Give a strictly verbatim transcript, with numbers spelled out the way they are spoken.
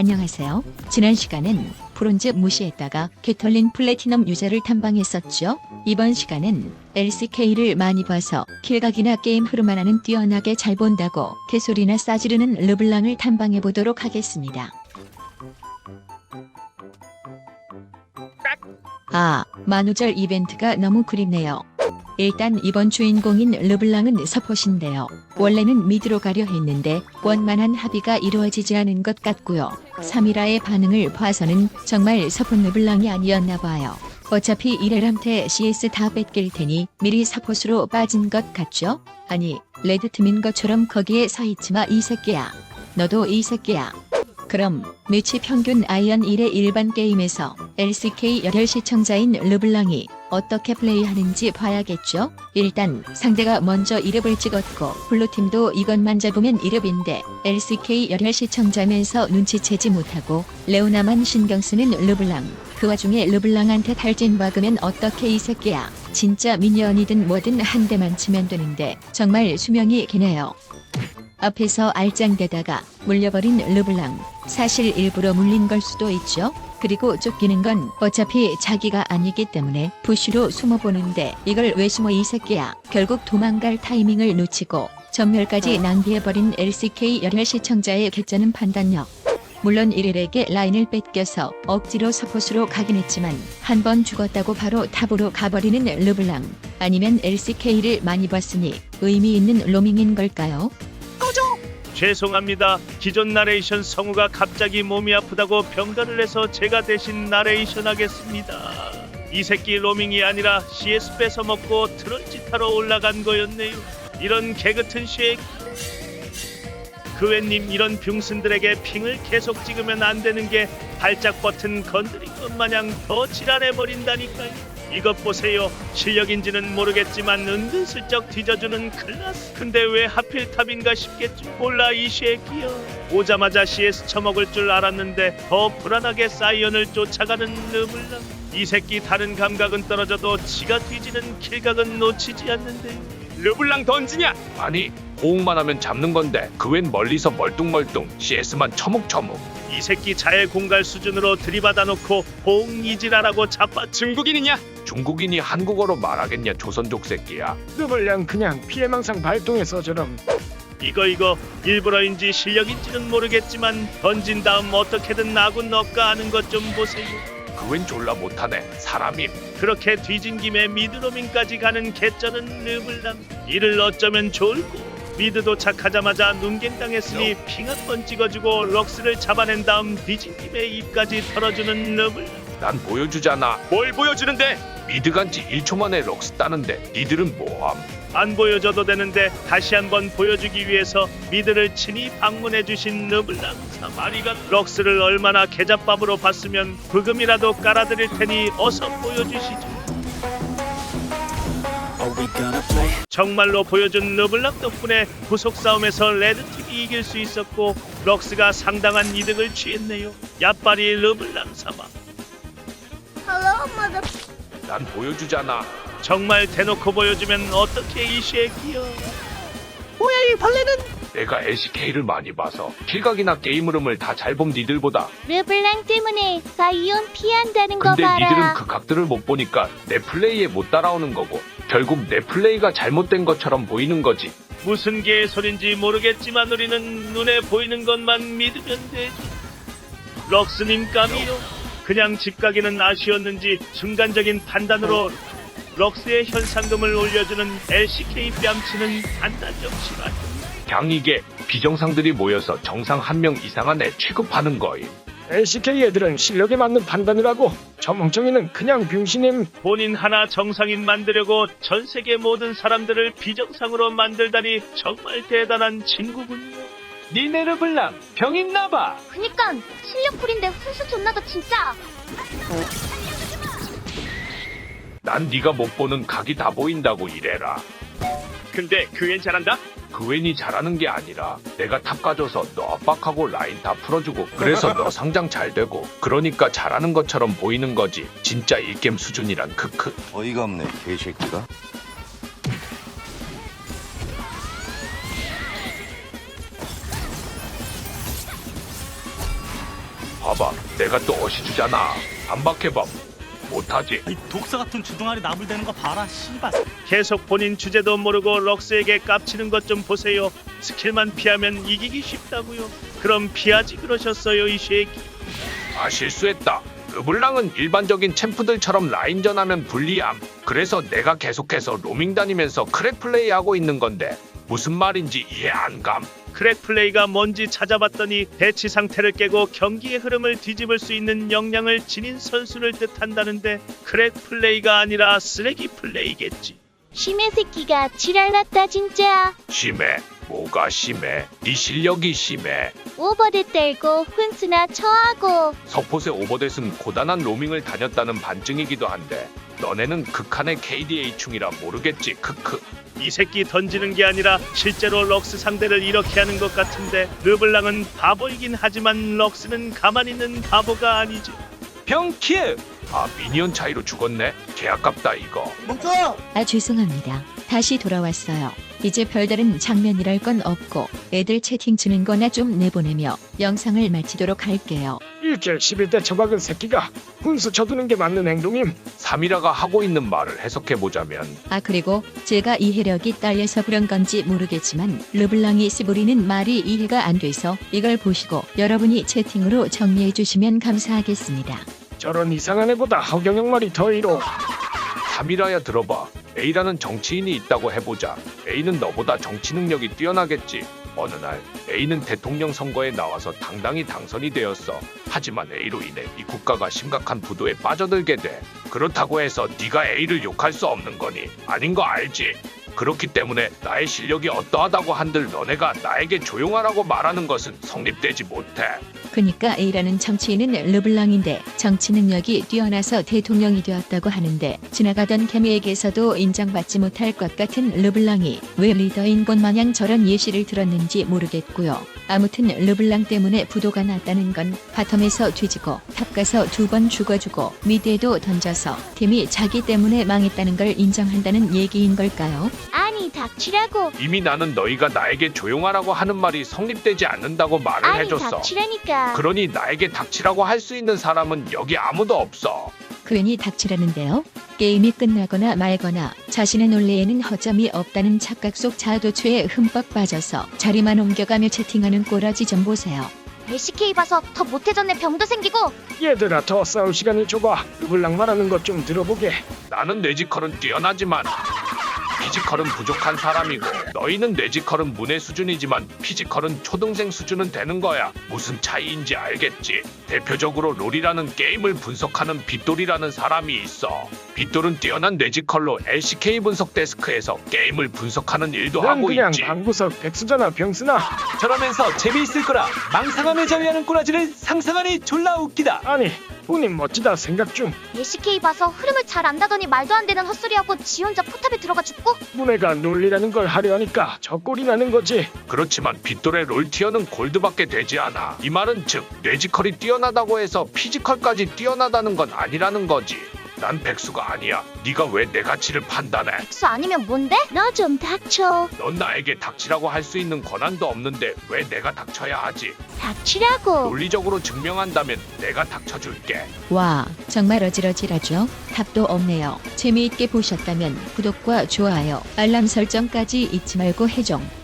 안녕하세요. 지난 시간엔 브론즈 무시했다가 개털린 플래티넘 유저를 탐방했었죠. 이번 시간은 엘씨케이를 많이 봐서 킬각이나 게임 흐름만 하는 뛰어나게 잘 본다고 개소리나 싸지르는 르블랑을 탐방해보도록 하겠습니다. 아, 만우절 이벤트가 너무 그립네요. 일단 이번 주인공인 르블랑은 서폿인데요. 원래는 미드로 가려 했는데 원만한 합의가 이루어지지 않은 것 같고요. 삼일아의 반응을 봐서는 정말 서폿 르블랑이 아니었나 봐요. 어차피 이레람테 씨에스 다 뺏길 테니 미리 서폿으로 빠진 것 같죠? 아니, 레드팀인 것처럼 거기에 서있지마 이 새끼야. 너도 이 새끼야. 그럼 매치 평균 아이언 일의 일반 게임에서 엘씨케이 열혈 시청자인 르블랑이 어떻게 플레이하는지 봐야겠죠? 일단 상대가 먼저 이렙을 찍었고 블루팀도 이것만 잡으면 이렙인데 엘씨케이 열혈 시청자면서 눈치채지 못하고 레오나만 신경쓰는 르블랑. 그 와중에 르블랑한테 탈진 박으면 어떻게 이 새끼야. 진짜 미니언이든 뭐든 한 대만 치면 되는데 정말 수명이 기네요. 앞에서 알짱대다가 물려버린 르블랑. 사실 일부러 물린 걸 수도 있죠. 그리고 쫓기는 건 어차피 자기가 아니기 때문에 푸쉬로 숨어보는데 이걸 왜 숨어 이 새끼야. 결국 도망갈 타이밍을 놓치고 전멸까지 낭비해버린 엘씨케이 열혈 시청자의 개쩌는 판단력. 물론 일일에게 라인을 뺏겨서 억지로 서폿으로 가긴 했지만 한 번 죽었다고 바로 탑으로 가버리는 르블랑. 아니면 엘씨케이를 많이 봤으니 의미 있는 로밍인 걸까요? 죄송합니다. 기존 나레이션 성우가 갑자기 몸이 아프다고 병가를 해서 제가 대신 나레이션 하겠습니다. 이 새끼 로밍이 아니라 씨에스 뺏어먹고 트롤짓하러 올라간 거였네요. 이런 개같은 쉐이크. 그웬님, 이런 병신들에게 핑을 계속 찍으면 안 되는 게 발작 버튼 건드린 것 마냥 더 지랄해버린다니까요. 이것 보세요. 실력인지는 모르겠지만 은근슬쩍 뒤져주는 클라스. 근데 왜 하필 탑인가 싶겠죠. 몰라 이 새끼야. 오자마자 씨에스 처먹을 줄 알았는데 더 불안하게 사이언을 쫓아가는 르블랑. 이 새끼 다른 감각은 떨어져도 지가 뒤지는 킬각은 놓치지 않는데. 르블랑 던지냐? 아니, 호응만 하면 잡는 건데 그 웬 멀리서 멀뚱멀뚱 씨에스만 처묵처묵. 이 새끼 자해 공갈 수준으로 들이받아놓고 호응 이지라라고 자빠. 중국인이냐? 중국인이 한국어로 말하겠냐 조선족 새끼야. 르블랑 그냥 피해망상 발동해서 저럼. 이거 이거 일부러인지 실력인지는 모르겠지만 던진 다음 어떻게든 아군 넣을까 하는 것 좀 보세요. 그 웬 졸라 못하네 사람임. 그렇게 뒤진 김에 미드로밍까지 가는 개쩌는 르블랑. 이를 어쩌면 좋을꼬. 미드 도착하자마자 눈갱 당했으니 핑 한 번 찍어주고 럭스를 잡아낸 다음 뒤진 김에 입까지 털어주는 르블랑. 난 보여주잖아. 뭘 보여주는데? 미드 간지 일 초 만에 럭스 따는데 니들은 뭐함? 안 보여줘도 되는데 다시 한번 보여주기 위해서 미드를 친히 방문해주신 르블랑. 사마리가 럭스를 얼마나 개잡밥으로 봤으면 부금이라도 깔아드릴 테니 어서 보여주시죠. 정말로 보여준 르블랑 덕분에 구속 싸움에서 레드팀이 이길 수 있었고 럭스가 상당한 이득을 취했네요. 야빨이 르블랑 사마. 난 보여주잖아. 정말 대놓고 보여주면 어떻게 이 새끼야. 뭐야 이 벌레는? 내가 엘씨케이를 많이 봐서 킬각이나 게임 흐름을 다 잘 본 니들보다. 르블랑 때문에 사이온 피한다는 거 근데 봐라. 니들은 그 각들을 못 보니까 내 플레이에 못 따라오는 거고 결국 내 플레이가 잘못된 것처럼 보이는 거지. 무슨 개소린지 모르겠지만 우리는 눈에 보이는 것만 믿으면 되지. 럭스님 까미요. 그냥 집 가기는 아쉬웠는지 순간적인 판단으로 럭스의 현상금을 올려주는 엘씨케이 뺨치는 판단력 실화. 그냥 이게 비정상들이 모여서 정상 한 명 이상한 애 취급하는 거임. 엘씨케이 애들은 실력에 맞는 판단을 하고 저 멍청이는 그냥 병신임. 본인 하나 정상인 만들려고 전 세계 모든 사람들을 비정상으로 만들다니 정말 대단한 친구군요. 니네 르블랑 병 있나봐. 그니까 실력풀인데 훈수 존나다 진짜. 난 네가 못 보는 각이 다 보인다고 이래라. 근데 그앤 잘한다? 그 웬이 잘하는 게 아니라 내가 탑 가져서 너 압박하고 라인 다 풀어주고 그래서 너 상장 잘 되고 그러니까 잘하는 것처럼 보이는 거지. 진짜 일겜 수준이란 크크. 어이가 없네 개새끼가. 봐봐, 내가 또 어시주잖아. 반박해봐. 못하지. 이 독사 같은 주둥아리 나불대는 거 봐라 씨발. 계속 본인 주제도 모르고 럭스에게 깝치는 것 좀 보세요. 스킬만 피하면 이기기 쉽다고요. 그럼 피하지 그러셨어요 이 새끼. 아, 실수했다. 르블랑은 일반적인 챔프들처럼 라인전하면 불리함. 그래서 내가 계속해서 로밍 다니면서 크랙 플레이하고 있는 건데 무슨 말인지 이해 안 감. 크랙 플레이가 뭔지 찾아봤더니 대치 상태를 깨고 경기의 흐름을 뒤집을 수 있는 역량을 지닌 선수를 뜻한다는데 크랙 플레이가 아니라 쓰레기 플레이겠지. 심해 새끼가 지랄났다 진짜. 심해. 뭐가 심해? 네 실력이 심해. 오버드 떨고 훈수나 처하고. 서폿의 오버댓은 고단한 로밍을 다녔다는 반증이기도 한데 너네는 극한의 케이디에이충이라 모르겠지. 크크. 이 새끼 던지는 게 아니라 실제로 럭스 상대를 이렇게 하는 것 같은데 르블랑은 바보이긴 하지만 럭스는 가만히 있는 바보가 아니지. 병키에 아, 미니언 차이로 죽었네. 개 아깝다 이거. 아 죄송합니다. 다시 돌아왔어요. 이제 별다른 장면이랄 건 없고 애들 채팅 주는 거나 좀 내보내며 영상을 마치도록 할게요. 일kel 십일 대 처박은 새끼가 훈수 쳐두는 게 맞는 행동임. 사미라가 하고 있는 말을 해석해보자면 아 그리고 제가 이해력이 딸려서 그런 건지 모르겠지만 르블랑이 씨부리는 말이 이해가 안 돼서 이걸 보시고 여러분이 채팅으로 정리해 주시면 감사하겠습니다. 저런 이상한 애보다 허경영 말이 더 이로. 사미라야 들어봐. A라는 정치인이 있다고 해보자. A는 너보다 정치 능력이 뛰어나겠지. 어느 날 A는 대통령 선거에 나와서 당당히 당선이 되었어. 하지만 A로 인해 이 국가가 심각한 부도에 빠져들게 돼. 그렇다고 해서 네가 A를 욕할 수 없는 거니? 아닌 거 알지? 그렇기 때문에 나의 실력이 어떠하다고 한들 너네가 나에게 조용하라고 말하는 것은 성립되지 못해. 그니까 A라는 정치인은 르블랑인데 정치 능력이 뛰어나서 대통령이 되었다고 하는데 지나가던 개미에게서도 인정받지 못할 것 같은 르블랑이 왜 리더인 것 마냥 저런 예시를 들었는지 모르겠고요. 아무튼 르블랑 때문에 부도가 났다는 건 바텀에서 뒤지고 탑 가서 두 번 죽어주고 미드에도 던져서 팀이 자기 때문에 망했다는 걸 인정한다는 얘기인 걸까요? 아니 닥치라고. 이미 나는 너희가 나에게 조용하라고 하는 말이 성립되지 않는다고 말을 아니 해줬어. 닥치라니까. 그러니 나에게 닥치라고 할 수 있는 사람은 여기 아무도 없어. 괜히 닥치라는데요. 게임이 끝나거나 말거나 자신의 논리에는 허점이 없다는 착각 속 자도취에 흠뻑 빠져서 자리만 옮겨가며 채팅하는 꼬라지 좀 보세요. 엘씨케이 봐서 더 못해졌네 병도 생기고. 얘들아 더 싸울 시간을 줘봐. 르블랑 말하는 것 좀 들어보게. 나는 뇌지컬은 뛰어나지만 피지컬은 부족한 사람이고 너희는 뇌지컬은 문의 수준이지만 피지컬은 초등생 수준은 되는 거야. 무슨 차이인지 알겠지? 대표적으로 롤이라는 게임을 분석하는 빗돌이라는 사람이 있어. 빗돌은 뛰어난 뇌지컬로 엘씨케이 분석 데스크에서 게임을 분석하는 일도 난 하고 그냥 있지. 방구석 백수잖아 병수나. 저러면서 재미있을 거라 망상함에 자위하는 꼬라지를 상상하니 졸라 웃기다. 아니 본인 멋지다 생각 중. 엘씨케이 봐서 흐름을 잘 안다더니 말도 안 되는 헛소리하고 지 혼자 포탑에 들어가 죽고. 문애가 논리라는 걸 하려 하니까 저 꼴이 나는 거지. 그렇지만 빗돌의 롤티어는 골드밖에 되지 않아. 이 말은 즉 뇌지컬이 뛰어나다고 해서 피지컬까지 뛰어나다는 건 아니라는 거지. 난 백수가 아니야. 네가 왜 내 가치를 판단해? 백수 아니면 뭔데? 너 좀 닥쳐. 넌 나에게 닥치라고 할 수 있는 권한도 없는데 왜 내가 닥쳐야 하지? 닥치라고. 논리적으로 증명한다면 내가 닥쳐줄게. 와 정말 어질어질하죠? 답도 없네요. 재미있게 보셨다면 구독과 좋아요 알람 설정까지 잊지 말고 해줘.